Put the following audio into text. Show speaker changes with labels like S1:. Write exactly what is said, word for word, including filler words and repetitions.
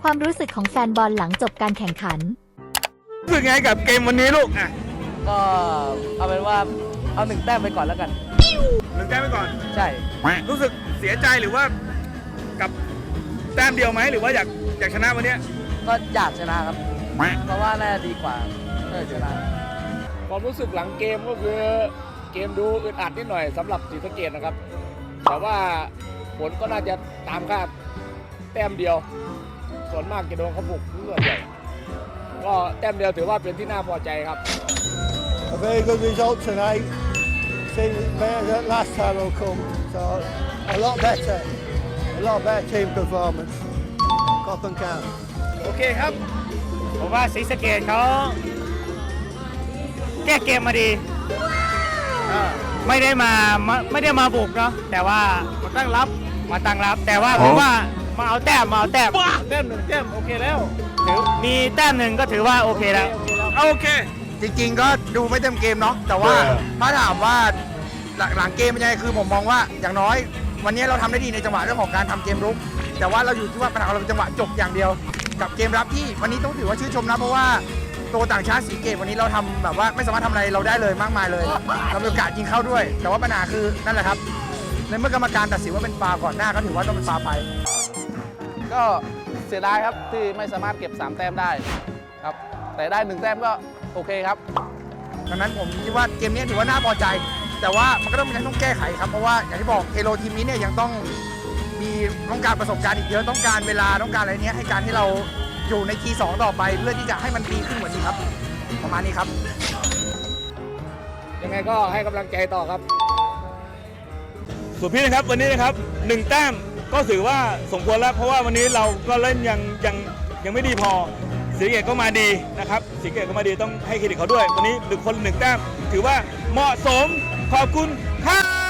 S1: ความรู้สึกของแฟนบอลหลังจบการแข่งขัน
S2: รู้สึกไงกับเกมวันนี้ลูกอ่ะ
S3: ก็เอาเป็นว่าเอาหนึ่งแต้มไปก่อนแล้วกัน
S2: หนึ่งแต้มไปก่อน
S3: ใช่
S2: รู้สึกเสียใจหรือว่ากับแต้มเดียวไหมหรือว่าอยากอยากชนะวันนี้
S3: ก็อยากชนะครับเพราะว่าน่าจะดีกว่าเออชนะ
S4: ความรู้สึกหลังเกมก็คือเกมดูอึดอัดนิดหน่อยสำหรับศรีสะเกษนะครับแต่ว่าผลก็น่าจะตามคาดแต้มเดียวส่วนมากจะโดนเขาบุกส่วนใหญ่ก็แต้มเดียวถือว่าเป็นที่น่าพอใจครับ
S5: A very good result tonight. Seems better than last time will come. So a lot better, a lot better team performance. Cotton County.
S2: โอเคครับ
S6: ผมว่าศรีสะเกษเขาแก้เกมมาดีไม่ได้มาไม่ได้มาบุกเนาะแต่ว่ามาตั้งรับมาตั้งรับ แต่ว่าผมว่ามาเอาแต้มมาเอาแต้ม
S2: แต้มหนึ่งแต้มโอเคแล้ว
S6: ถือมีแต้มหนึ่งก็ถือว่าโอเคแล้ว
S2: โอเค
S7: จริงๆก็ดูไม่เต็มเกมเนาะแต่ว่าถ้าถามว่าหลังเกมเป็นยังไงคือผมมองว่าอย่างน้อยวันนี้เราทำได้ดีในจังหวะเรื่องของการทำเกมรุกแต่ว่าเราอยู่ที่ว่าปัญหาเราเป็นจังหวะจบอย่างเดียวกับเกมรับที่วันนี้ต้องถือว่าชื่นชมนะเพราะว่าตัวต่างชาติสีเกตวันนี้เราทำแบบว่าไม่สามารถทำอะไรเราได้เลยมากมายเลยเรามีโอกาสยิงเข้าด้วย แต่ว่าปัญหาคือนั่นแหละครับในเมื่อกรรมการตัดสินว่าเป็นฟาวก่อนหน้าก็ถือว่าต้องเป็นฟาวไป
S3: ก็เสียดายครับที่ไม่สามารถเก็บสามแต้มได้ครับแต่ได้หนึ่งแต้มก็โอเคครับ
S7: ดังนั้นผมคิดว่าเกมนี้ถือว่าน่าพอใจแต่ว่ามันก็ต้องมีต้องแก้ไขครับเพราะว่าอย่างที่บอกเทโลทีมนี้เนี่ยยังต้องมีต้องการประสบการณ์อีกเยอะต้องการเวลาต้องการอะไรเนี้ยให้การที่เราอยู่ในทีสองต่อไปเพื่อที่จะให้มันดีขึ้นกว่านี้ครับประมาณนี้ครับ
S4: ยังไงก็ให้กำลังใจต่อครับ
S2: ส่วนพี่นะครับวันนี้นะครับหนึ่งแต้มก็ถือว่าสมควรแล้วเพราะว่าวันนี้เราก็เล่นยังยังยังไม่ดีพอศรีสะเกษก็มาดีนะครับศรีสะเกษก็มาดีต้องให้เครดิตเขาด้วยวันนี้หนึ่งคนหนึ่งแต้มถือว่าเหมาะสมขอบคุณครับ